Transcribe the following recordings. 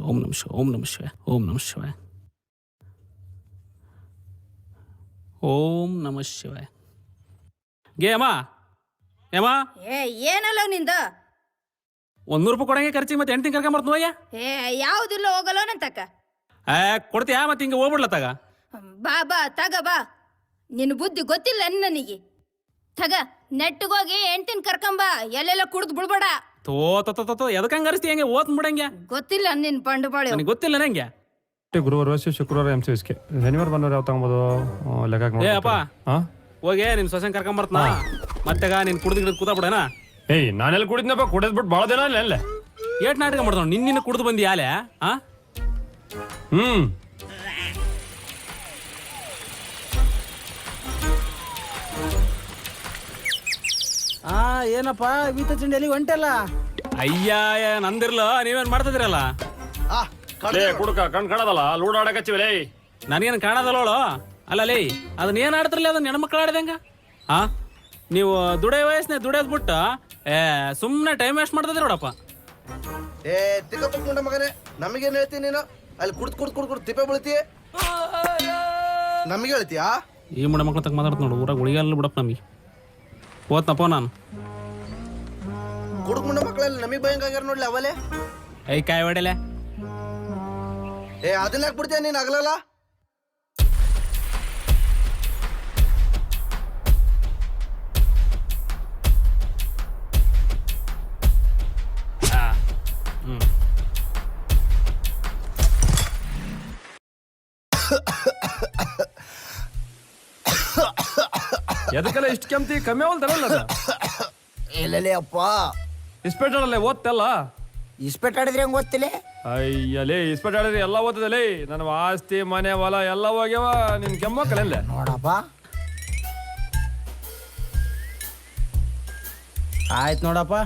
ಓಂ ನಮಃ ಶಿವಾಯ ಓಂ ನಮಃ ಶಿವಾಯ ಓಂ ನಮಃ ಶಿವಾಯ ಓಂ ನಮಃ ಶಿವಾಯ ಗೇ ಅಮ್ಮ ಏಮ್ಮ ಏ ಏನಲ್ಲ ನಿಂದು 100 ರೂಪಾಯಿ ಕೊಡಂಗೆ ಖರ್ಚಿಗೆ ಮತ್ತೆ ಹೆಂಡ್ತಿ ಕರ್ಕೊಂಬರ್ತ ನೋಯ್ಯ ಏ ಯಾವುದಿಲ್ಲ ಹೋಗಲ್ಲ ನಂತಕ್ಕ ಕೊಡ್ತೀಯಾ ಮತ್ತೆ ಹಿಂಗೆ ಹೋಗ್ಬಿಡ್ಲ ತಗ ಬಾ ಬಾ ತಗ ಬಾ ನಿನ್ನ ಬುದ್ಧಿ ಗೊತ್ತಿಲ್ಲ ನನಗೆ ತಗ ನೆಟ್ಟಿಗೋಗಿ ಹೆಂಡ್ತಿನ ಕರ್ಕೊಂಬ ಎಲ್ಲೆಲ್ಲ ಕುಡ್ದು ಬಿಡ್ಬೇಡ ತೋ ತೋ ಎದಕ್ಕೆ ಹಂಗೆ ಅರಿಸ್ತಿ ಹೆಂಗೆ ಓದ್ ಬಿಡಂಗೆ ಗೊತ್ತಿಲ್ಲ ನಿನ್ ಪಂಡು ಬಾಳೆ ನನಗೆ ಗೊತ್ತಿಲ್ಲ ನಂಗೆ ಗುರುವಾರ ಶುಕ್ರವಾರ MCSK ಶನಿವಾರ ಬಂದವ್ರು ಯಾವ ತಗೊಂಬೋದು ಲೆಕ್ಕ ಏ ಅಪ್ಪ ಹೋಗಿ ನಿನ್ ಸೊಸೆನ್ ಕರ್ಕೊಂಬರ್ತನ ಮತ್ತೆಗ ನೀನ್ ಕುಡ್ದು ಕೂತಾ ಬಿಡೋಣ ಏಯ್ ನಾನೆಲ್ಲ ಕುಡಿದ್ನಪ್ಪ ಕುಡಿದ್ಬಿಟ್ಟು ಭಾಳ ದಿನ ಅಲ್ಲ ಏಟ್ ನಾಟಕ ಮಾಡ್ತಾವ ನಿನ್ನ ಕುಡ್ದು ಬಂದಿ ಯಾಲೆ ಏನಪ್ಪ ಬೀತ ಚಂಡಿಯಲ್ಲಿ ಹೊಂಟಲ್ಲ ಅಯ್ಯ ನಂದಿರ್ಲ ನೀವೇನ್ ಮಾಡ್ತಿದಿರಲ್ಲ ಕುಡ್ಕ ಕಣ್ ಕಾಣದಲ್ಲ ಲೂಡ್ ಆಡಕಚ್ಚಿವಲೇ ನನಗೇನು ಕಾಣದಲ್ಲೋಳು ಅಲ್ಲ ಲೇ ಅದನ್ನ ಏನ್ ಆಡ್ತಿರ್ಲಿ ಅದನ್ನ ಹೆಣ್ಮಕ್ಳು ಆಡಿದಂಗ ನೀವು ದುಡಿಯೋ ವಯಸ್ಸನ್ನೇ ದುಡಿಯೋದ್ ಬಿಟ್ಟು ಸುಮ್ಮನೆ ಟೈಮ್ ವೇಸ್ಟ್ ಮಾಡ್ತಿದ್ರಿ ನೋಡಪ್ಪ ತಿಕ್ಕಪ್ಪ ಮಗನೇ ನಮಗೇನು ಹೇಳ್ತೀನಿ ನೀನು ಅಲ್ಲಿ ಕುಡ್ದು ತಿಪ್ಪೆ ಬೀಳ್ತಿ ನಮಗೆ ಹೇಳ್ತೀಯಾ ಈ ಮುಡ ಮಕ್ಳು ತಕ್ಕ ಮಾತಾಡ್ತ ನೋಡು ಊರಾಗ ಉಳಿಗಲ್ಲ ಬಿಡಪ್ಪ ನಮಗೆ ಓದ್ನಪ್ಪ ನಾನು ಕುಡ್ಕೊಂಡ ಮಕ್ಕಳಲ್ಲಿ ನಮಗೆ ಭಯಂಗಾಗ್ಯಾರ ನೋಡ್ಲಿ ಅವಲೇ ಐ ಕಾಯಿ ಹೊಡೆಲೆ ಅದನ್ನ ಯಾಕೆ ಬಿಡ್ತೀಯ ನೀನು ಆಗಲಲ್ಲ ಎದಕ್ಕೆಲ್ಲ ಇಷ್ಟು ಕೆಮ್ತಿ ಕಮ್ಮಿ ಅವಲ್ತಾರಲ್ಲ ಅದ ಇಲ್ಲಲೇ ಅಪ್ಪ ಇಸ್ಪೆಟ್ಟಾಡಲ್ಲ ಓದ್ತಲ್ಲ ಇಸ್ಪೆಟ್ ಆಡಿದ್ರೆ ಹೆಂಗ್ ಓದ್ತಿಲೆ ಅಯ್ಯಲೇ ಇಸ್ಪೆಟ್ ಆಡಿದ್ರೆ ಎಲ್ಲ ಓದ್ತದಲೇ ನನ್ನ ಆಸ್ತಿ ಮನೆ ಹೊಲ ಎಲ್ಲ ಹೋಗ್ಯವ ನಿನ್ ಕೆಮ್ಮಕ್ಕಲ್ಲ ನೋಡಪ್ಪ ಆಯ್ತು ನೋಡಪ್ಪ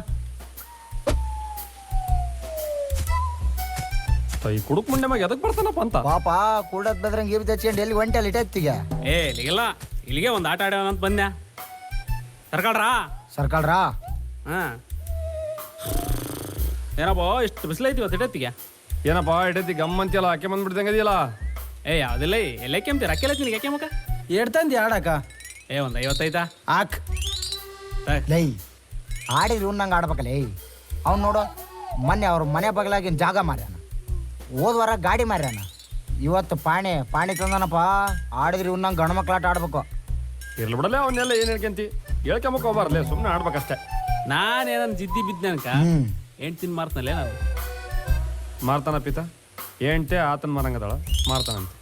ಈ ಕುಡುಕ್ ಮುಂಡೆ ಮ್ಯಾಗ ಎದಕ್ ಬರ್ತಾನಪ್ಪ ಅಂತ ಪಾಪ ಕೂಡದ್ ಬೆದ್ರಂಗ್ ಇವ್ ತೆಚ್ಕೊಂಡು ಎಲ್ಲಿ ಹೊಂಟಲ್ಲಿ ಇಟ್ಟೆತ್ತಿಗೆ ಇಲ್ಲಿಗೆಲ್ಲ ಇಲ್ಲಿಗೆ ಒಂದು ಆಟ ಆಡ್ಯಾವ ಅಂತ ಬಂದ್ಯಾ ಸರ್ಕಲ್ರಾ ಏನಪ್ಪ ಇಷ್ಟು ಬಿಸಿಲೈತಿ ಇವತ್ತು ಇಟ್ಟತ್ತಿಗೆ ಏನಪ್ಪ ಇಡೈತಿ ಗಮ್ಮಂತಿಯಲ್ಲ ಆಕೆ ಬಂದ್ಬಿಡ್ದಂಗ ಇದೆಯಲ್ಲ ಯಾವ್ದಿಲ್ಲ ಎಲ್ಲ ಕೆಮ್ತೀರ ಅಕ್ಕೆಲ್ಲ ತಿನ್ನಿಗೆ ಯಾಕೆ ಮುಖ ಎಡ್ತಂದಿ ಆಡಕ ಒಂದು 55 ಆಕ್ ಲೈ ಆಡಿದ್ರು ಉನ್ನಂಗೆ ಆಡ್ಬೇಕಲ್ಲ ಅವ್ನು ನೋಡು ಮೊನ್ನೆ ಅವ್ರ ಮನೆ ಬಗಲಾಗಿನ ಜಾಗ ಮಾರ್ಯಾನ ಹೋದ್ವಾರ ಗಾಡಿ ಮಾರ್ಯಾನ ಇವತ್ತು ಪಾಣಿ ತಂದನಪ್ಪ ಆಡಿದ್ರಿ ಉನ್ನಂಗೆ ಗಂಡು ಮಕ್ಳಾಟ ಆಡ್ಬೇಕು ಇರ್ಲಿ ಬಿಡಲ್ಲ ಅವನ್ನೆಲ್ಲ ಏನ್ ಹೇಳ್ಕೊಂತಿ ಹೇಳ್ಕೊಂಬಕ್ ಹೋಗ್ಬಾರ್ಲೆ ಸುಮ್ಮನೆ ಆಡ್ಬೇಕಷ್ಟೇ ನಾನೇನನ್ ಜಿದ್ದಿ ಬಿದ್ದನಕ ಹೆಂಡ್ತಿನ ಮಾರ್ತನಲ್ಲೇ ನಾನು ಮಾರ್ತಾನ ಪಿತ ಏಂಟೆ ಆತನ ಮಾರಂಗದಾಳ ಮಾರ್ತಾನಂತೆ